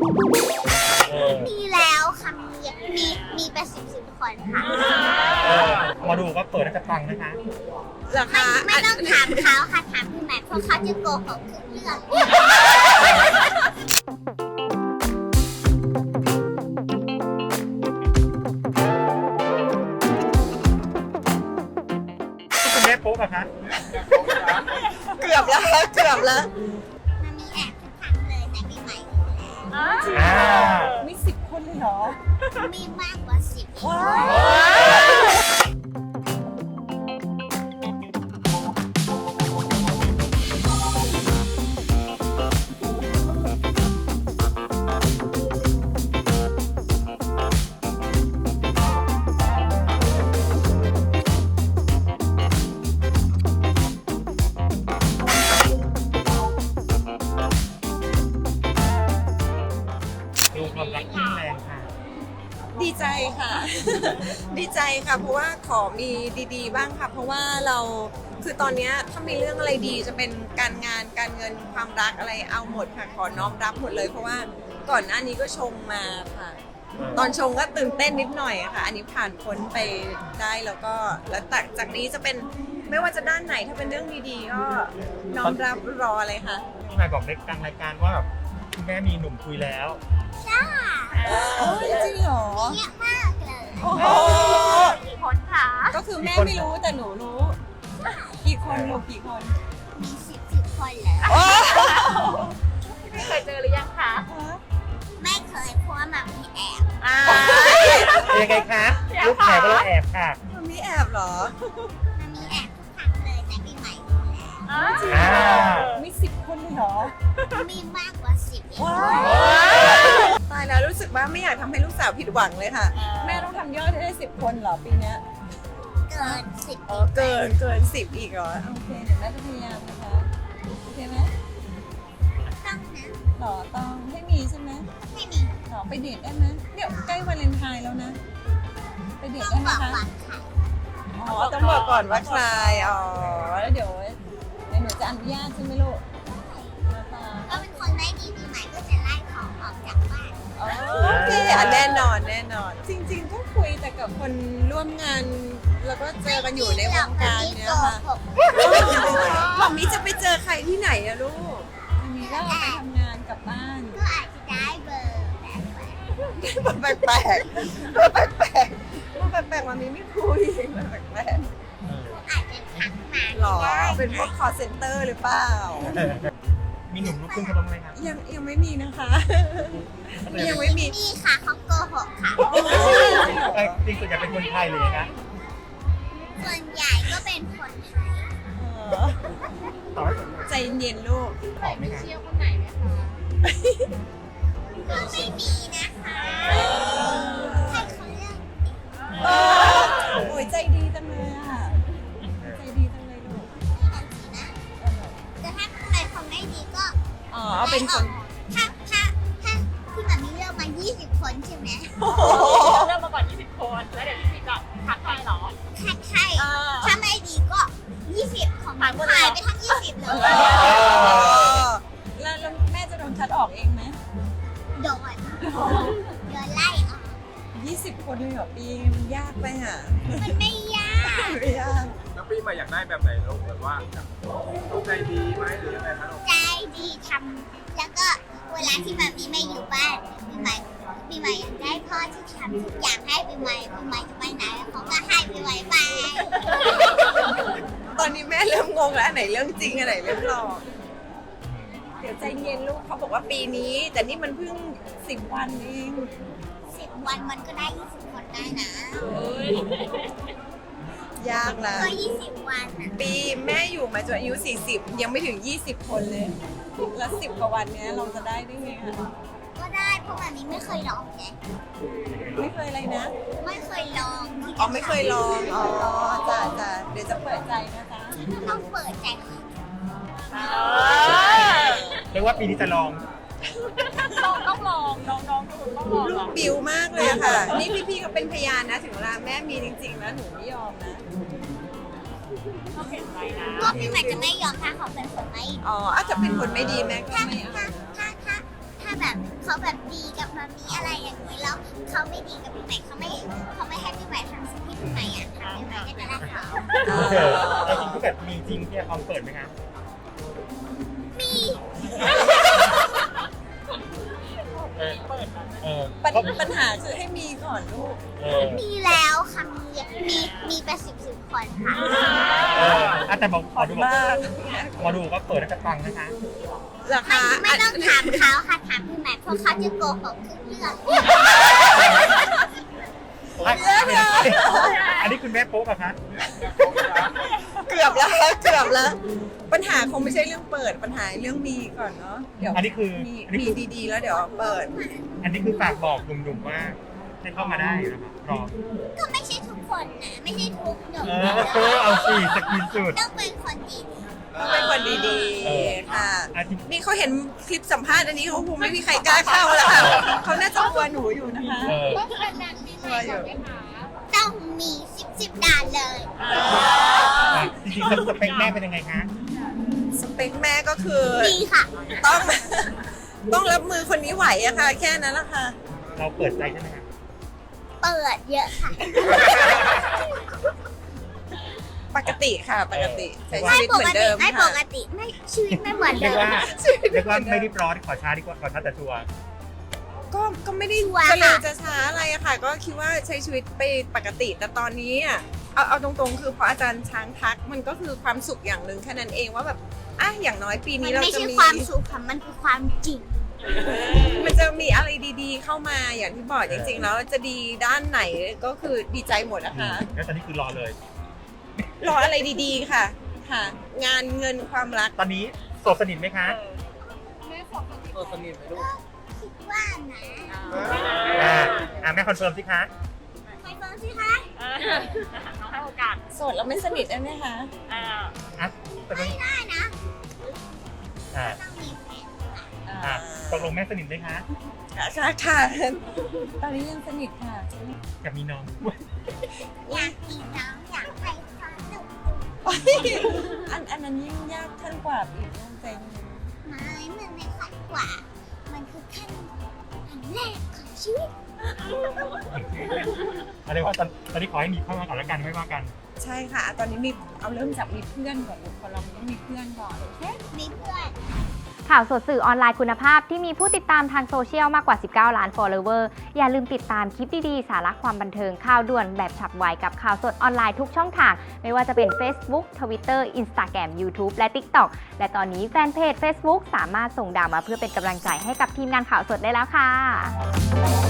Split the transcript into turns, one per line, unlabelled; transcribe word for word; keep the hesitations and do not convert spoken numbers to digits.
มีแล้วค่ะมีมีมีเป็นสิบสิบคนค่ะ
เออมาดูก็เปิดแล้วจะฟังนะคะ
เหรอ
ไม่
คะ
ไม่ต้องถามเขาค่ะถามพี่แม็กซ์เพราะเขาจะโกหกทุกเรื่อง
คุณแม่โป๊กอะคะ
เกือบแล้วเกือบแล้ว
มันมีแอบทุกครั้งเลยในปีใหม่อยู่แล้ว
อ่า
มีสิบคนเลยเหรอ
มีมากกว่าสิบอีก
ว้า
ดูความรักยิ่งแรงค่ะ
ดีใจค่ะ ดีใจค่ะ เพราะว่าขอมีดีๆบ้างค่ะ เพราะว่าเราคือตอนเนี้ยถ้ามีเรื่องอะไรดีจะเป็นการงานการเงินความรักอะไรเอาหมดค่ะ ขอน้อมรับหมดเลย เพราะว่าก่อนหน้านี้ก็ชงมาค่ะ ตอนชงก็ตื่นเต้นนิดหน่อยอะค่ะ อันนี้ผ่านพ้นไปได้แล้วก็แล้วจากจากนี้จะเป็นไม่ว่าจะด้านไหนถ้าเป็นเรื่องดีๆก็น้อมรับรอเลยค่ะ
พี่นายบอกในกลางรายการว่าแบบคุณแม่มีหนุ่มคุยแล้ว
ใช่
จริงเหรอ
เยอะมากเลย
โอ้โห
กี่คนคะ
ก็คือแม่ไม่รู้แต่หนูรู้ กี่คนลูกกี่คน
มีสิบสิบคนเลย
ไม่เคยเจอหรือยังคะ
ไม่เคยเพราะว่ามันมีแอบ
อ่า
ยังไงคะลูกแอบก็ลูกแอบค่ะ
มันมีแอบเหรอ
มันมีแอบทุกครั้งเลยในปีใหม่อยู่แล้ว
อ่า
มีสิบคนเลยเหรอ
มีมากกว่าสิบอีก
ว้าวตายแล้วรู้สึกว่าไม่อยากทำให้ลูกสาวผิดหวังเลยค่ะ แม่ต้องทำยอดให้ได้สิบคนเหรอปีเนี้ย
เกินสิบ
อ๋อเกินเกินสิบอีกเหรอ โอเคเดี๋ยวแม่จะพยายามนะคะ โอเคไหม
ต้องนะ
หรอต้องให้มีใช่ไหม
ไม่มี
หรอไปเดทได้ไหมเนี่ยใกล้วาเลนไทน์แล้วนะ ไปเดท
ต้อ
ได้
ง
ไหม
บอก
คะ
วันค่ะ
อ๋อต้องบอกก่อนว่าใครอ๋อแล้วเดี๋ยวเดี๋ยวหนูจะอนุญาตใช่ไหมลูกนะคะ
ก็เป็นคนไม่ดีปีใหม่ก็จะไล่ของออกจากบ้าน
อ๋อโอเคอ่ะแน่นอนแน่นอน จริงๆก็คุยแต่กับคนร่วมงาน แล้วก็เจอกันอยู่ในวงการเนี้ยค่ะ หมอมีจะไปเจอใครที่ไหนอะลูกอันนี้ก็ไปทำงานกลับบ้าน
ก็อาจจะได้เบอร์แบบแบบ
แปลกๆแปลกๆแปลกๆแปลกๆมันมีไม่คุยแปลก
อาจจะทักมา
ๆหรอเป็นพวก call center หรือเปล่า
มีหนุ่มลูกครึ่งกันบ้างไหมครับ
ยังยังไม่มีนะคะ ยังไม่มี
นี่ค่ะเขาโกหกค่ะ
เอ้ยจริงส่วนใหญ่เป็นคนไทยเลยนะคะ
ส่วนใหญ่ก็เป็นคนไทย
เออ
ต่อให้ผม
ใจเย็นๆลูก
ตอบไหมคะ
เชี่ยวคนไหนไหมคะ
ก็ไม่มีนะคะให้เขาเลือก
เออโอ้ยใจดีจังเลยอ่ะ ใจดีจังเลยลูก
นะแต่ถ้าใครเขาไม่ดีก็
อ๋อเอาเป็นคน
ถ้าถ้าถ้าที่แบบมีเลือกมายี่สิบคนใช่ไหม
โอ้โห
เริ่มมาก่อนยี่สิบคน แล้วเดี๋ยวพี่พีจะทักใครเหรอ
ถ้าใครถ้าไม่ดีก็ยี่สิบของ
หายหมดเลย
หายไปทั้งยี่สิบเลย
แล้วแล้วแม่จะโดนคัดออกเองไหม
โดนโดนไล่ออก
ยี่สิบคนเลยเหรอปีมันยากไปอ่ะ
มันไม่ยาก
ไม่ยาก
แล้วปีใหม่อยากได้แบบไหนลูกแบบว่าลูกใจดีไหมหรือยังไงคะลูก
ใจดีทำแล้วก็เวลาที่แบบนี้ไม่อยู่บ้านปีใหม่ปีใหม่อยากได้พ่อที่ทำทุกอย่างให้ปีใหม่ปีใหม่จะไปไหนเขาก็ให้ปีใหม่ไป
ตอนนี้แม่เริ่มงงแล้วอันไหนเรื่องจริงอันไหนเรื่องหลอกเดี๋ยวใจเย็นลูกเขาบอกว่าปีนี้ แต่นี่มันเพิ่งสิบวันเอง
สิบวันมันก็ได้ยี่สิบคนได้นะ
ยากละ
ก็ยี่สิบวันอ่ะ
ปีแม่อยู่มาจนอายุสี่สิบยังไม่ถึงยี่สิบคนเลย แล้วสิบกว่าวันเนี้ยเราจะได้ได้ไงคะ
ก็ได้เพราะวันนี้ไม่เคยลองไง
ไม่เคยอะไรนะ
ไม่เคยลองที่จะ
อ๋อไม่เคยลองอ๋อจ้าจ้าเดี๋ยวจะเปิดใจนะจ๊ะ
ต้องเปิดใจค่ะ
เรียกว่าปีนี้จะลอง
ต้องต้องลองน้องๆทุกคนต้องลอง
ลูกบิวมากเลยอะค่ะ นี่พี่ๆก็เป็นพยานนะ ถึงเวลาแม่มีจริงๆแล้วหนูไม่ยอมนะ
ต้องเห็นใจนะ
ก็พี่ใหม่จะไม่ยอมถ้าเขาเป็นคนไม่ดี
อ๋ออาจจะเป็นคนไม่ดีแม่ก็
ถ้า
ไม่เอา
ถ้าถ้าถ้าถ้าแบบเขาแบบดีเขาไม่ดีกับพี่ใหม่เขาไม่เขาไม่ให้พี่ใหม่ทำสิ่งที่พี่ใหม่อยากทำพี่ใหม่ก็จะรักเขา
เออแล้วจริงถ้าเกิดมีจริงพี่ออมเปิดไหมคะ
มี
เออเออ
ปัญปัญหาคือให้มีก่อนลูก
เออ
มีแล้วค่ะมีมีมีเป็นสิบสิบคนค่ะ
เอออ่ะแต่บอกขอดูบอก
มาก
ขอดูว่าเปิดแล้วจะปังนะคะ
รา
ไม่
คา
ไม่ต้องถามเขาค่ะถามพี่ใหม่เพราะเขาจะโกหกทุกเรื่อง
อันนี้คุณแม่โป๊กอะคะ
เกือบแล้วเกือบแล้ว ปัญหาคงไม่ใช่เรื่องเปิดปัญหาเรื่องมีก่อนเนาะเดี๋ยว
อันนี้คือ
มี
อันนี้
มี
คือ
ดีๆ แล้วเดี๋ยวเปิด
อันนี้คือฝากบอกหนุ่มๆว่าให้เข้ามาได้นะครับรอ
ก็ไม่ใช่ทุกคนนะไม่ใช่ทุกหนุ่ม
เออเอาสิสกินสุด
ต้องเป็นคนดี
ต้องเป็นคนดี
เออ
ๆ ค่ะ
อาทิตย์
นี่เขาเห็นคลิปสัมภาษณ์อันนี้เขาคงไม่มีใครกล้าเข้าแล้วค่ะเขาน่าจะกลัวหนูอยู่นะคะ
เออ
ต้องเป็นนางปีใหม่ก่อนไหมคะ
ต้องมีสิบสิบด่านเลย
อ่ะจริงๆสเปคแม่เป็นยังไงคะ
สเปคแม่ก็คือ
ดีค่ะ
ต้อง ต้องรับมือคนนี้ไหวอะค่ะ แค่นั้นแหละค่ะ
เราเปิดใจใช่ไหมคะ
เปิดเยอะค่ะ
ปกติค่ะ ปกติใช้ชี
ไม่
วิต
ป
เหมื
ก
อน
ติ
เดิม
ไม่ป
ค่ะ
กติไม่ชีวิตไม่เหมือน
เรี
เดิ
ยก
ม
ว่า
ค่ะ
เรียกว่าไม่รีบร้อนขอช้าดีกว่าขอช้าแต่ชัวร์
ก็ก็ไม่ได้
ชัวร์
จะเร็ว
ค่ะ
จะช้าอะไรอะค่ะ ก็คิดว่าใช้ชีวิตไปปกติ แต่ตอนนี้อะเอาเอาตรงๆ คือพออาจารย์ช้างทักมันก็คือความสุขอย่างหนึ่งแค่นั้นเองว่าแบบอ่ะอย่างน้อยปี
มั
นี้
น
เรา
ไม่
จะ
ใช่
มี
ความสุขค่ะมันคือความจริง
มันจะมีอะไรดีๆ เข้ามาอย่างที่บอกจริงๆ แล้วจะดีด้านไหนก็คือดีใจหมดนะคะ
แล้วตอนนี้คือรอเลย
รออะไรดีๆ ค่ะ ค่ะ งานเงินความรัก
ตอนนี้โสดสนิทไหมคะ
แม่สองคน
ตัวสนิทไหมลูก
คิดว่านะ
อ่าอ่าแม่คอนเฟิร์มสิคะ
ไปฟังสิคะ
น้องให้โอกาส
โสดแล้วไม่สนิทได้ไหมคะ
อ่า
อ่ะตกลง
ได้นะ
อ่า
ต้องมีแฟน
อ่าตกลงแม่สนิทไหมคะ
ค่ะค่ะ ตอนนี้ยังสนิทค่ะ
อยากมีน้อง
อยากมีน้องอยากให้เขาดุ
อันอันนั้นยิ่งยากขั้นกว่าอีกเรื่องใจเย็น
ไม่มันไม่ขั้นกว่า มันคือขั้นขั้นแรกของชีวิต
อะไรว่าตอนตอนนี้ขอให้มีเข้ามาก่อนแล้วกันไม่ว่ากัน
ใช่ค่ะ ตอนนี้มีเอาเริ่มจากมีเพื่อนก่อนคนเรามันต้องมีเพื่อนก่อนโอเค
มีเพื่อน
ข่าวสดสื่อออนไลน์คุณภาพที่มีผู้ติดตามทางโซเชียลมากกว่า สิบเก้า ล้าน follower อย่าลืมติดตามคลิปดีๆ สาระความบันเทิงข่าวด่วนแบบฉับไวกับข่าวสดออนไลน์ทุกช่องทาง ไม่ว่าจะเป็น Facebook Twitter Instagram YouTube และ TikTok และตอนนี้แฟนเพจ Facebook สามารถส่งดาวมาเพื่อเป็นกำลังใจให้กับทีมงานข่าวสดได้แล้วค่ะ